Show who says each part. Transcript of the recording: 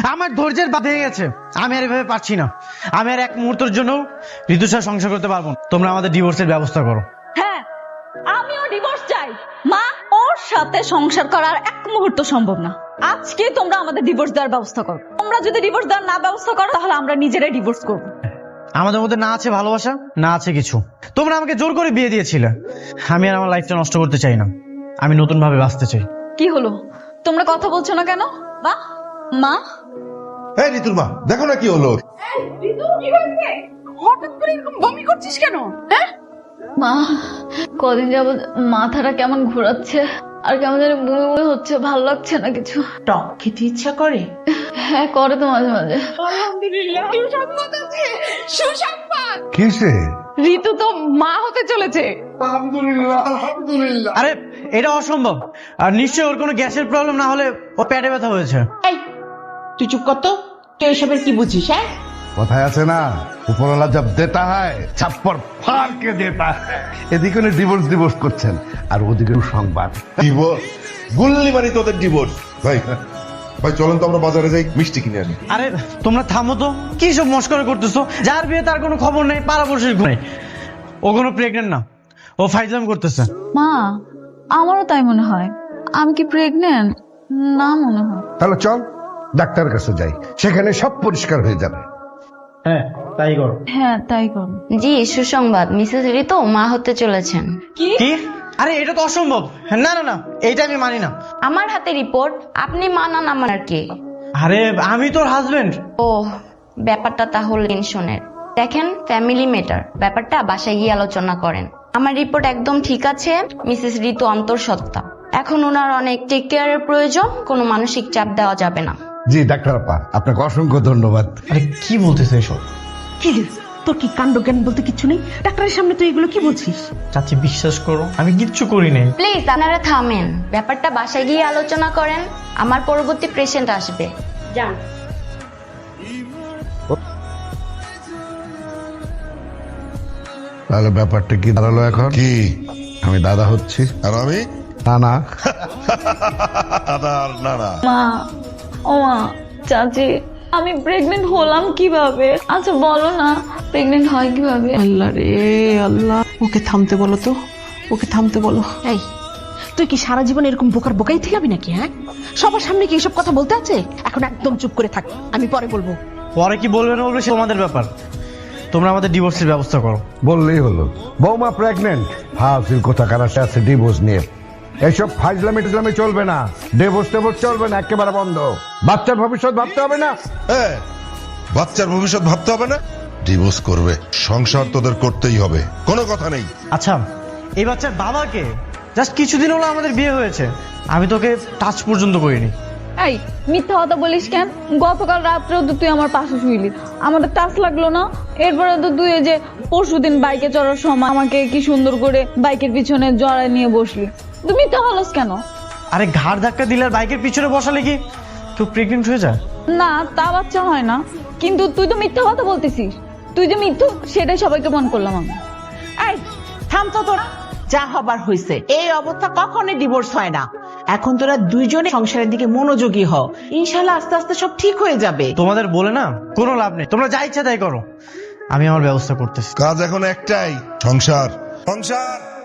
Speaker 1: আমার ধৈর্যের বাঁধ ভেঙে গেছে। আমি আর এভাবে পারছি না। আমি আর এক মুহূর্তের জন্য ঋতুর সাথে সংসার করতে পারবো না। তোমরা আমাদের ডিভোর্সের ব্যবস্থা করো।
Speaker 2: হ্যাঁ, আমিও ডিভোর্স চাই। মা, ওর সাথে সংসার করা আর এক মুহূর্ত সম্ভব না। আজকে তোমরা আমাদের ডিভোর্স দেওয়ার ব্যবস্থা করো। তোমরা যদি ডিভোর্স দেওয়ার না ব্যবস্থা করো তাহলে আমরা নিজেরাই ডিভোর্স করবো।
Speaker 1: আমাদের মধ্যে না আছে ভালোবাসা, না আছে কিছু। তোমরা আমাকে জোর করে বিয়ে দিয়েছিলে। আমি আর আমার লাইফটা নষ্ট করতে চাই না। আমি নতুন ভাবে বাঁচতে চাই।
Speaker 2: কি হলো, তোমরা কথা বলছো না কেন? মা, মা,
Speaker 3: এই ঋতুর মা, দেখো না কি হলো।
Speaker 2: হঠাৎ করে এরকম বমি করছিস কেন? হ্যাঁ মা, কদিন যাবত মাথাটা কেমন ঘোরাচ্ছে আর কেমন জানি বমি বমি হচ্ছে, ভালো লাগছে না কিছু।
Speaker 4: টক খেতে ইচ্ছা করে?
Speaker 2: হ্যাঁ, করে তো মাঝে মাঝে।
Speaker 3: কিসে?
Speaker 2: ঋতু তো মা হতে চলেছে।
Speaker 1: আরে এটা অসম্ভব। আর নিশ্চয়ই ওর কোনো গ্যাসের প্রবলেম না হলে ও পেটে ব্যথা হয়েছে।
Speaker 4: এই, তুই চুপ কর তো। তুই এসবের কি বুঝিস? হ্যাঁ,
Speaker 3: কথায় আছে না, উপরওয়ালা জব দেতা হয় ছাপ্পর ফাড় কে দেতা হয়। এদিকে ডিভোর্স করছেন আর ওদিকে সংবাদ
Speaker 5: ডিভোর্স গুল্লি মারি তোদের ডিভোর্স। ভাই ভাই চলেন তো আমরা বাজারে যাই, মিষ্টি কিনে আনি।
Speaker 1: আরে তোমরা থামো তো, কি সব মস্করা করতেছো? যার বিয়ে তার কোনো খবর নেই, পাড়াপড়শির নেই। ও কোনো প্রেগনেন্ট না, ও ফাইজলাম করতেছে।
Speaker 2: মা, আমারও তাই মনে হয়। আমি কি প্রেগনেন্ট? না মনে হয়।
Speaker 3: তাহলে চল ডাক্তারের কাছে যাই, সেখানে সব পরিষ্কার হয়ে যাবে।
Speaker 1: হ্যাঁ তাই করো।
Speaker 2: হ্যাঁ, তাই করো।
Speaker 6: জি, সুসংবাদ, মিসেস ঋতু মা হতে চলেছেন।
Speaker 2: কি?
Speaker 1: কি? আরে এটা তো অসম্ভব। না না না, এইটা আমি মানি না।
Speaker 6: আমার হাতে রিপোর্ট, আপনি মানান আমার আর কি?
Speaker 1: আরে আমি তোর হাজবেন্ড।
Speaker 6: ও, ব্যাপারটা তাহলে টেনশনের। দেখেন, ফ্যামিলি ম্যাটার, ব্যাপারটা বাসায় গিয়ে আলোচনা করেন। আমার রিপোর্ট একদম ঠিক আছে। মিসেস ঋতু অন্তঃসত্ত্বা। এখন ওনার অনেক টেক কেয়ারের প্রয়োজন, কোনো মানসিক চাপ দেওয়া যাবে না।
Speaker 3: জি ডাক্তার আপা, আপনাকে অসংখ্য ধন্যবাদ।
Speaker 1: আরে কি বলতেছে এসব?
Speaker 4: কি রে, তোর কি কাণ্ড জ্ঞান বলতে কিছু নেই? ডাক্তারের সামনে তুই এগুলো কি বলছিস?
Speaker 1: চাচি বিশ্বাস করো, আমি কিচ্ছু করি নাই।
Speaker 6: প্লিজ আপনারা থামেন, ব্যাপারটা বাসায় গিয়ে আলোচনা করেন। আমার পরবর্তী পেশেন্ট আসবে, যান।
Speaker 3: তাহলে ব্যাপারটা কি দাঁড়ালো এখন?
Speaker 5: কি
Speaker 3: আমি দাদা হচ্ছি?
Speaker 5: আর আমি
Speaker 3: না না,
Speaker 5: দাদা আর না না।
Speaker 2: মা, ও মা, চাচি, আমি প্রেগনেন্ট হলাম কিভাবে? আচ্ছা বলো না, প্রেগনেন্ট হয় কিভাবে?
Speaker 4: আল্লাহ রে আল্লাহ, ওকে থামতে বলো তো, ওকে থামতে বলো। এই, তুই কি সারা জীবন এরকম বোকার বোকাই থাকবি নাকি? হ্যাঁ, সবার সামনে কি এসব কথা বলতে আছে? এখন একদম চুপ করে থাক, আমি পরে বলবো।
Speaker 1: পরে কি বলবে না বলবে সে তোমাদের ব্যাপার। তোমরা আমাদের ডিভোর্সের ব্যবস্থা করো।
Speaker 3: বললেই হলো। বৌমা প্রেগনেন্ট, হাসির কথা কারাসে আছে ডিভোর্স নিয়ে। এইসব ফাইজলামি টিজলামি চলবে না, ডিভোর্স চলবে না, একেবারে বন্ধ। বাচ্চার ভবিষ্যৎ ভাবতে হবে না?
Speaker 5: হ্যাঁ, বাচ্চার ভবিষ্যৎ ভাবতে হবে না? ডিভোর্স করবে, সংসার তোদের করতেই হবে, কোনো কথা নেই।
Speaker 1: আচ্ছা, এই বাচ্চার বাবাকে জাস্ট কিছুদিন হলো আমাদের বিয়ে হয়েছে, আমি তোকে টাচ পর্যন্ত করিনি।
Speaker 2: এই, মিথ্যা কথা বলিস কেন? গতকাল রাত্রেও তো তুই আমার পাশে শুইলি, আমাদের টাচ লাগলো না? এরপরে তো তুই এই যে পরশুদিন বাইকে চড়ার সময় আমাকে কি সুন্দর করে বাইকের পিছনে জড়ায় নিয়ে বসলি। তুই মিথ্যা বলস কেন?
Speaker 1: আরে ঘাড় ধাক্কা দিলে আর বাইকের পিছনে বসালে কি কেউ প্রেগনেন্ট হয়ে যায়?
Speaker 2: না, তা বাচ্চা হয় না। কিন্তু তুই তো মিথ্যা কথা বলতেছিস। তুই যে মিথ্যুক সেটাই সবাইকে মন করলাম আমি।
Speaker 4: এই, থাম তো তোরা, যা হবার হয়েছে। এই অবস্থা কখনোই ডিভোর্স হয় না। এখন তোরা দুইজনে সংসারের দিকে মনোযোগী হও, ইনশাল্লাহ আস্তে আস্তে সব ঠিক হয়ে যাবে।
Speaker 1: তোমাদের বলে না কোনো লাভ নেই, তোমরা যা ইচ্ছা তাই করো, আমি আমার ব্যবস্থা করতেছি।
Speaker 5: কাজ এখন একটাই, সংসার সংসার।